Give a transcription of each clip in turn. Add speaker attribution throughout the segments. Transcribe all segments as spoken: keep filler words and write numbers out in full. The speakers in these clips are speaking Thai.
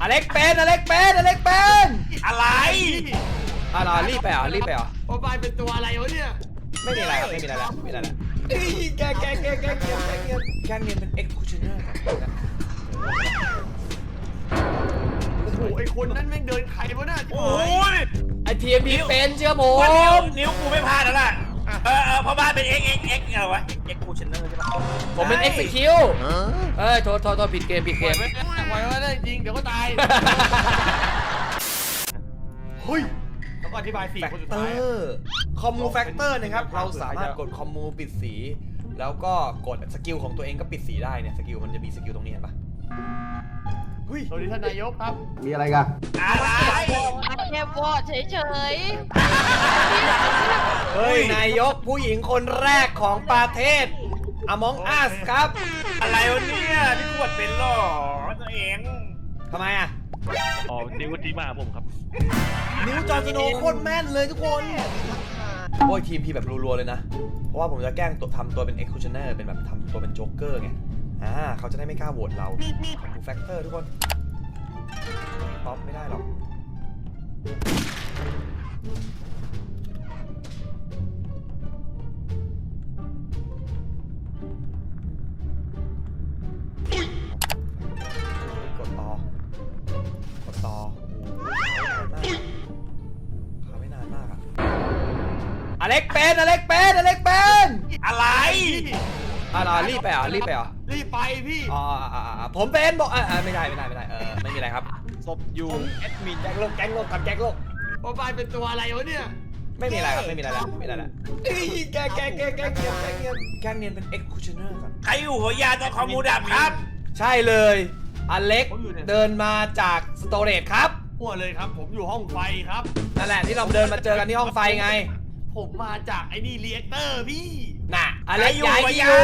Speaker 1: เล็กเป็นอเล็กเป็นอเล็กเป็น
Speaker 2: อะไร
Speaker 1: อ่ะรอรีบไปอ่ะรีบไปอ่ะ
Speaker 3: โมบายเป็นตัวอะไรวะเนี่ย
Speaker 1: ไม่มีอะไรครับไม่มีอะไรแล้วไม่มีอะไรแล้วแกแกแกแกแกแกแกแกเนียนเป็น executioner ครับ
Speaker 3: โอ้โหไอคนนั้นแม่งเดินใครวะน่ะ
Speaker 2: โอ้ย
Speaker 1: ไอทีเอ็มพีเป็นเชื่อผ
Speaker 2: ว่านิ้ว
Speaker 1: ม
Speaker 2: นิ้วกูไม่พลาดแล้วล่ะเออเออเพราะบ้านเป็น x x x อะไรวะ x c u t i o n e r ใช่ปะ
Speaker 1: ผมเป็น execute เอ้ยโทษโทษโทษผิดเกมผิดเกม
Speaker 3: ไว้ไว้ไว้ได้จริงเดี๋ยวก็ตายเฮ้ยแล้วก็อธิบายสี่คนสุดท้าย
Speaker 1: คอมมูแฟกเตอร์นะครับเราสามารถกดคอมมูปิดสีแล้วก็กดสกิลของตัวเองก็ปิดสีได้เนี่ยสกิลมันจะมีสกิลตรงนี้เห็นปะเฮ้ย
Speaker 3: สวัสดีท่านนายกครับ
Speaker 4: มีอะไรกัน
Speaker 2: อะไร
Speaker 5: แค่วอดเฉย
Speaker 1: เฮ้ยนายกผู้หญิงคนแรกของประเทศ Among Us ครับ
Speaker 2: อะไรวะเนี่ยพี่ขวดเป็นหรอตัวเอง
Speaker 1: ทำไมอ่ะ
Speaker 6: อ๋อนิ้วที่มาผมครับ
Speaker 1: นิ้วจอร์นสโนว์โคตรแม่นเลยทุกคนโอ้ยทีมพีแบบรัวๆเลยนะ เพราะว่าผมจะแกล้งตัวทำตัวเป็น executioner เป็นแบบทำตัวเป็นโจ๊กเกอร์ไงอ่าเขาจะได้ไม่กล้าโหวตเราคอมมูแฟกเตอร์ทุกคนป๊อปไม่ได้หรอกกดต่อกดต่อโอ้โหขาไม่นานมากอะอเล็กเป็นอเล็กเป็นอเล็กเป็น
Speaker 2: อะไร
Speaker 1: อ่ะรีบไปอ่ะรีบไปอ่ะ
Speaker 3: รีบไปพี่
Speaker 1: อ๋อผมเป็นบอกอ่าไม่ได้ไม่ได้ไม่ได้เออไม่มีอะไรครับ
Speaker 3: ศพอยู่
Speaker 1: แอดมินแจ็คโลกแจ็คโลกกับแจ็คโลก
Speaker 3: โมบายเป็นตัวอะไรวะเนี่ย
Speaker 1: ไม่มีอะไรครับไม่มีอะไรแล้วไม่มีอะไรแล้วแกแกแกแกแกแกเนียนแกเนียนเป็น executioner ครับ
Speaker 2: ใครอยู่หัวยาตอนคอมมูดับครับ
Speaker 1: ใช่เลยอเล็กเดินมาจากสโตเรจครับ
Speaker 3: มั่วเลยครับ ผมอยู่ห้องไฟครับ
Speaker 1: นั่นแหละที่เราเดินมาเจอกันที่ห้องไฟไง
Speaker 3: ผมมาจากไอ้นี่เรียกเตอร์พี่
Speaker 1: น่ะอเล็กย้ายที่อยู่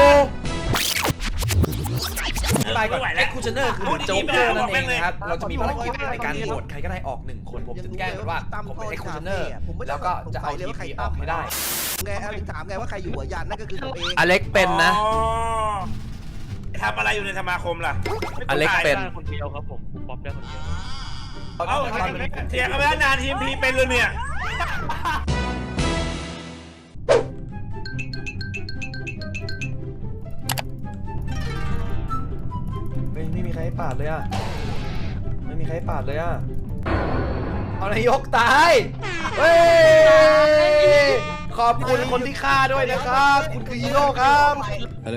Speaker 1: ไปก่อน executioner คือโจ๊กเกอร์นั่นเองนะครับเราจะมีภารกิจในการโหวตใครก็ได้ออกหนึ่งคนผมจะแกล้งว่าผมเป็น executioner แล้วก็จะเอาทีพีออกให้ได้
Speaker 4: ไงอลิถามไงว่าใครอยู่หัวยันนั่นก็คือตัวเอง
Speaker 1: อเล็กเป็นนะ
Speaker 2: อ๋อทำอะไรอยู่ในสมาคมล่ะ
Speaker 1: อเล็กเป็น
Speaker 6: ได้คนเดียวครับผมผมป๊อปได้คนเดียว
Speaker 2: เอ้าเถียงกันไปแล้วนานทีมพีเป็นเลยเนี่ย
Speaker 1: ไม่ไม่มีใครให้ปาดเลยอ่ะ ไม่มีใครให้ปาดเลยอ่ะ เอานายกตาย เฮ้ย ขอบคุณคนที่ฆ่าด้วยนะครับ คุณคือฮีโร่ครับอะไร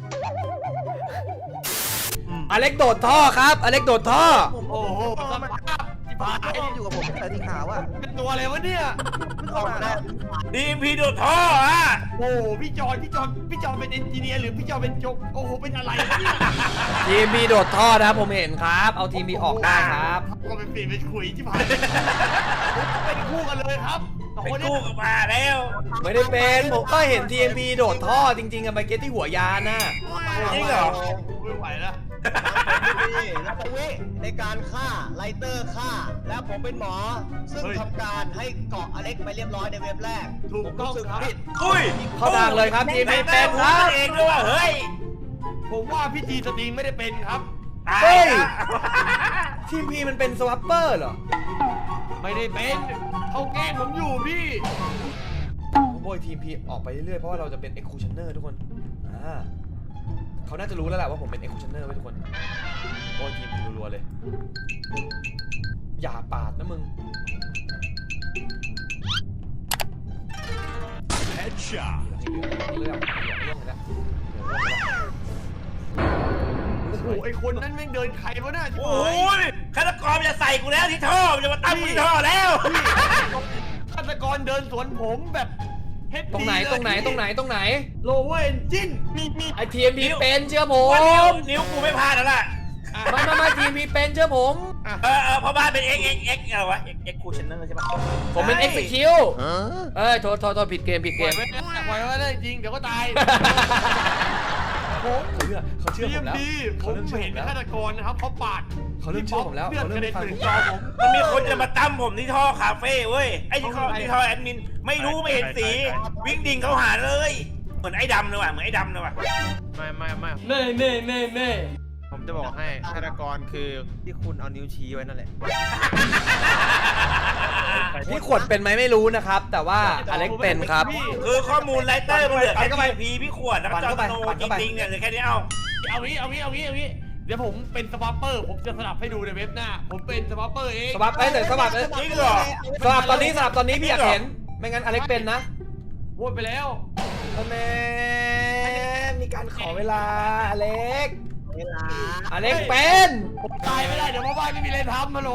Speaker 1: อเล็กโดดท่อครับ อเล็กโดดท่อ
Speaker 3: โอ้โหสภาพที่ผ่าน
Speaker 4: ไอ้ที่อยู่กับผมแต่ที่ขาวอ่ะ
Speaker 3: เป็นตัวอะไรวะเนี่ย
Speaker 4: เพิ่งเข้ามาแล้ว
Speaker 2: ทีมพีโดดท่ออ่ะ
Speaker 3: โอ้โหพี่จอนพี่จอนพี่จอนเป็นเอนจิเนียร์หรือพี่จอนเป็นโจกโอ้โหเป็นอะไรวะเนี่ย
Speaker 1: ทีมบีโดดท่อนะครับผมเห็นครับ เอาทีมบีออกได้ครับ
Speaker 3: ก็เป็นปีเป็นคุยที่ผ่านเป็นคู่กันเลยครับสอง
Speaker 2: เป็น
Speaker 3: คนนี้
Speaker 2: คู่กับมาแล้ว
Speaker 1: ไม่ได้เป็น ผมก็เห็นทีมบีโดดท่อจริงๆอะไปเก็ตที่หัวยานน่ะ
Speaker 2: จริงเหรอ
Speaker 3: ไม่ไหวแล้ว
Speaker 4: แล้วไปวิในการฆ่าไลเตอร์ฆ่า แล้วผมเป็นหมอ ซึ่งทำการให้เกาะอเล็กไปเรียบร้อยในเว็บแรก
Speaker 3: ถูกต้องครับ
Speaker 4: ผิด
Speaker 2: อุ้ย
Speaker 1: เข้าทางเลยครับทีม
Speaker 2: ไหน
Speaker 1: บี
Speaker 2: เป็
Speaker 1: เป็น น
Speaker 2: ค
Speaker 1: ค
Speaker 2: รั
Speaker 1: รั
Speaker 2: บบ เองด้วยว่าเฮ้ย
Speaker 3: ผมว่าพี่จีสตรีมไม่ได้เป็นครับ
Speaker 2: ตาย
Speaker 1: เฮ้ย
Speaker 2: ละ
Speaker 1: ทีมพีมันเป็นสวัปเปอร์เหรอ
Speaker 3: ไม่ได้เป็นเขาแกล้งผมอยู่พี่
Speaker 1: โบยทีมพีออกไปเรื่อยๆ เพราะว่าเราจะเป็น executioner ทุกคน อ่าเขาน่าจะรู้แล้วแหละว่าผมเป็น executioner ไว้ทุกคนโบยทีมพีรัวๆเลย อย่าปาดนะมึง
Speaker 2: Headshot
Speaker 1: เรื่องเรื่องเลยนะ
Speaker 3: โอ้โหไอคนนั้นแม่งเดินใครวะน่ะ
Speaker 2: โอ้ยฆาตกรมันจะใส่กูแล้วที่ท่อมันจะมาตั้งกูที่ท่อแล้ว
Speaker 3: ฆาตกรเดินสวนผมแบบเฮด
Speaker 1: ตรงไหนตรงไหนตรงไหนตรงไหน
Speaker 3: โลเวอร์เอนจิน
Speaker 1: ไอทีมพีเป็นเชื่อผ
Speaker 2: ว่านิ้ว
Speaker 1: ม
Speaker 2: นิ้วกูไม่พลาดแล้วล่ะ
Speaker 1: ไม่ไม่ไม่ทีมพีเป็นเชื่อผม
Speaker 2: เออเออเพราะบ้านเป็น x x x อะไรวะ x x c u t i o n e r ใช่ปะ
Speaker 1: ผมเป็น execute เอ้ยโทษโทษโทษผิดเกมผิด
Speaker 3: เก
Speaker 1: เก
Speaker 3: ม
Speaker 1: ม
Speaker 3: ไว้ไว้ได้จริงเดี๋ยวก็ตายผม
Speaker 1: เขาเชื่อเขาเชื่อผมแล้ว
Speaker 3: ดีผ
Speaker 1: เขา
Speaker 3: ม
Speaker 1: เริ่มเชื่อผ
Speaker 3: เห็น
Speaker 1: มแล้ว
Speaker 3: ฆาตกรนะครับเขาปาด
Speaker 1: เขาเริ่มเชื่อผมแล้ว
Speaker 3: เลือด
Speaker 1: เขา
Speaker 3: ก
Speaker 1: เริ่
Speaker 3: ระเด็น
Speaker 1: มฟัง
Speaker 3: ถึง
Speaker 1: ผม
Speaker 3: จอผม
Speaker 2: มันมีคนจะมาตั้มผมที่ท่อคาเฟ่เว้ย ไอ้ที่ท่อที่ท่อแอดมิน ไม่รู้ไม่เห็นสี วิ่งดิ่งเขาหาเลย เหมือนไอ้ดำเลยว่ะ เหมือนไอ้ดำเลยว่ะ
Speaker 3: ไม่ไม่ไม่
Speaker 1: เน่เน่เน่เน่
Speaker 3: ผมจะบอกให้ฆาตกรคือที่คุณเอานิ้วชี้ไว้นั่นแหละ
Speaker 1: พี่ขวดเป็นไหมไม่รู้นะครับ แต่ว่าอเล็กเป็นครับ
Speaker 2: คือข้อมูลไลเตอร์มันเหลือ
Speaker 1: ปั่
Speaker 2: แค่
Speaker 1: นเข้าไป
Speaker 2: พีพี่ขวดแล้วก็
Speaker 1: ปั่น
Speaker 2: จอ
Speaker 1: เข้าไป
Speaker 2: ร์โน
Speaker 1: ปั่น
Speaker 2: จ
Speaker 1: เข้าไป
Speaker 2: ริงๆเนี่ยเหลือแค่นี้เอา
Speaker 3: เอางี้เอางี้เอางี้เอางี้เดี๋ยวผมเป็นสวอปเปอร์ผมจะสลับให้ดูในเว็บหน้า ผมเป็นสวอปเปอร์เอง
Speaker 1: สวับไปเลยสวับเลย
Speaker 2: จริงเหรอ
Speaker 1: สวับตอนนี้สวับตอนนี้พี่อยากเห็น ไม่งั้นอเล็กเป็นนะ
Speaker 3: โหวตไปแล้ว
Speaker 1: แม่มีการขอเวลาอเล็ก
Speaker 4: เวลา
Speaker 1: อเล็กเป็น
Speaker 3: ผมตายไม่ได้เดี๋ยวพ่อบ้านไม่มีอะไรทำมาโหล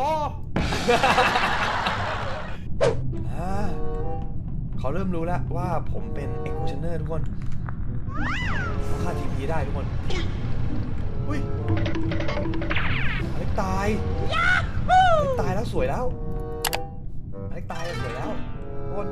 Speaker 1: อ่าเขาเริ่มรู้แล้วว่าผมเป็น executioner ทุกคนเขาฆ่าทีพีได้ทุกคนอุ้ยอเล็กตายอเล็กตายแล้วสวยแล้วอเล็กตายแล้วสวยแล้วทุกคน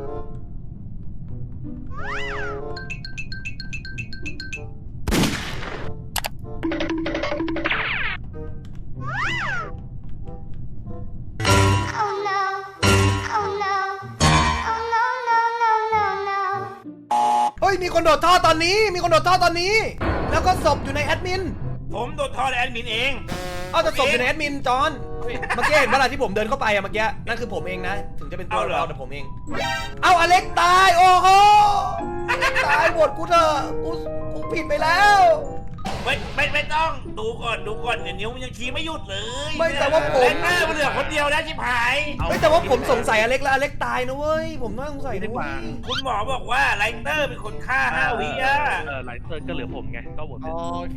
Speaker 1: เฮ้ยมีคนโดดท่อตอนนี้มีคนโดดท่อตอนนี้ แล้วก็ศพอยู่ในแอดมิน
Speaker 2: ผมโดนทอดแอดมินเอง
Speaker 1: เอาแต่ศพอยู่ในแอดมินจอนเมื่อกี้เห็นเวลาที่ผมเดินเข้าไปอะเมื่อกี้นั่นคือผมเองนะ ถึงจะเป็นตัวเราแต่ผมเอง เอาอเล็กตายโอ้โหอเล็กตายหมดกูเถอะกูกูผิดไปแล้ว
Speaker 2: ไม่ไม่ไม่ต้องดูก่อนดูก่อนเนี่ยนิ้วมันยังชี้ไม่หยุดเลย
Speaker 1: ไม่แต่ว่าผม
Speaker 2: แรงหน้ามันเหลือคนเดียวนะชิบหาย
Speaker 1: เฮ้ยแต่ว่าผมสงสัยอเล็กแล้วอเล็กตายนะเว้ยผมน่าสงสัยนะเว้ย
Speaker 2: คุณหมอบอกว่าไลเตอร์เป็นคนฆ่าห้าวิอะ
Speaker 6: เออไลเตอร์ก็เหลือผมไงก็โหวต
Speaker 1: โอเค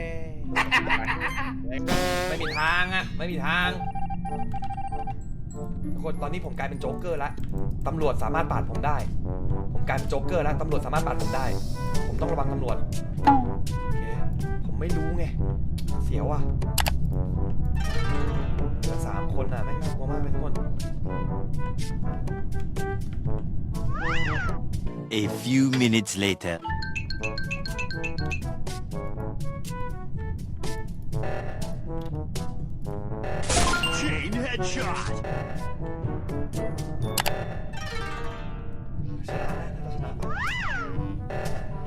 Speaker 1: ไม่มีทางอะไม่มีทางทุกคนตอนนี้ผมกลายเป็นโจ๊กเกอร์แล้วตำรวจสามารถปาดผมได้ ผมกลายเป็นโจ๊กเกอร์แล้วตำรวจสามารถปาดผมได้ ผมต้องระวังตำรวจโอเคผมไม่รู้ไงเสียวอ่ะเหลือสามคนอ่ะแม่งน่ากลัวมากเลยทุกคน
Speaker 7: A few minutes later. Chain headshot.
Speaker 1: ชนะแล้วชนะปะ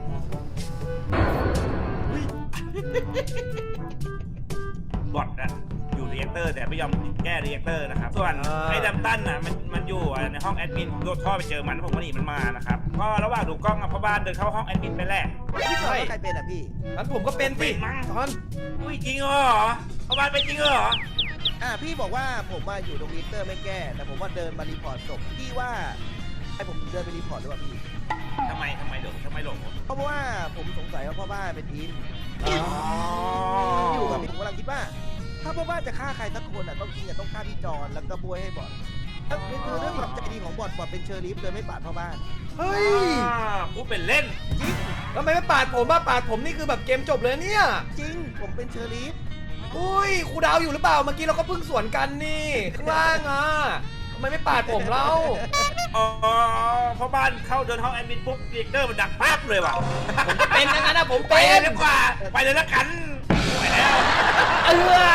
Speaker 2: บอทอะอยู่รีแอคเตอร์แต่ไม่ยอมแก้รีแอคเตอร์นะครับ ส่วนไอ้ดัมตันอะมันมันอยู่ในห้องแอดมินโดดท่อไปเจอมันผมก็หนีมันมานะครับก็ระหว่างดูกล้องอะพ่อบ้านเดินเข้าห้องแอดมินไปแหละ
Speaker 4: พี่จอดว่าใครเป็นอ่ะพี่
Speaker 1: งั้นผมก็เป็นสิ
Speaker 2: เป็นมั้ง
Speaker 1: ตอน
Speaker 2: อุ้ยจริงเหรอพ่อบ้านเป็นจริงเหรอ
Speaker 4: อ่าพี่บอกว่าผมมาอยู่ตรงลิสเตอร์ไม่แก้ แต่ผมว่าเดินมารีพอร์ตศพพี่ว่าให้ผมเดินไปรีพอร์ตหรือเปล่าพี่
Speaker 2: ทำไมทำไมหลงทำไมหลง
Speaker 4: เพราะว่าผมสงสัยว่าพ่อบ้านเป็นอิน
Speaker 2: อ๋อ
Speaker 4: อยู่กับผมกำลังคิดว่า ถ้าพ่อบ้านจะฆ่าใครสักคนอ่ะต้องจริงอ่ะต้องฆ่าพี่จอนแล้วก็บวยให้บอดถ้าคือเรื่องความใจดีของบอดบอดเป็นเชอร์ลิฟเลยไม่ปาดพ่อบ้าน
Speaker 1: เฮ้ย
Speaker 2: กูเป็นเล่น
Speaker 1: ทำไมไม่ปาดผมว่าปาดผมนี่คือแบบเกมจบเลยเนี่ย
Speaker 4: จริงผมเป็นเชอร์ลิฟ
Speaker 1: อุ้ยครูดาวอยู่หรือเปล่าเมื่อกี้เราก็เพิ่งสวนกันนี่ข้างล่างอ่ะทำไมไม่ปาดผมเล่า
Speaker 2: อ๋อพ่อบ้านเข้าเดินห้องแอดมินปุ๊บรีแอคเตอร์มันดักปั๊บเลยว่ะ
Speaker 1: ผมก็เป็นอย่างนั้นนะผม
Speaker 2: ไป
Speaker 1: เป็น
Speaker 2: เลยดีกว่าไปเลยละกันไปแล้ว
Speaker 1: เอ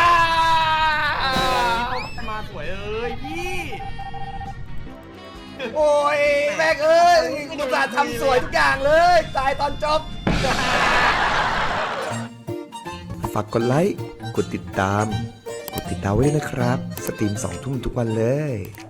Speaker 1: อ
Speaker 3: มาสวยเอ้ยพี่
Speaker 1: โอ้ยแม่งเอ้ยกูจะทำสวยทุกอย่างเลยตายตอนจบ
Speaker 8: ฝากกดไลค์ กดติดตาม กดติดดาวไว้ด้วยนะครับ สตรีมสองทุ่มทุกวันเลย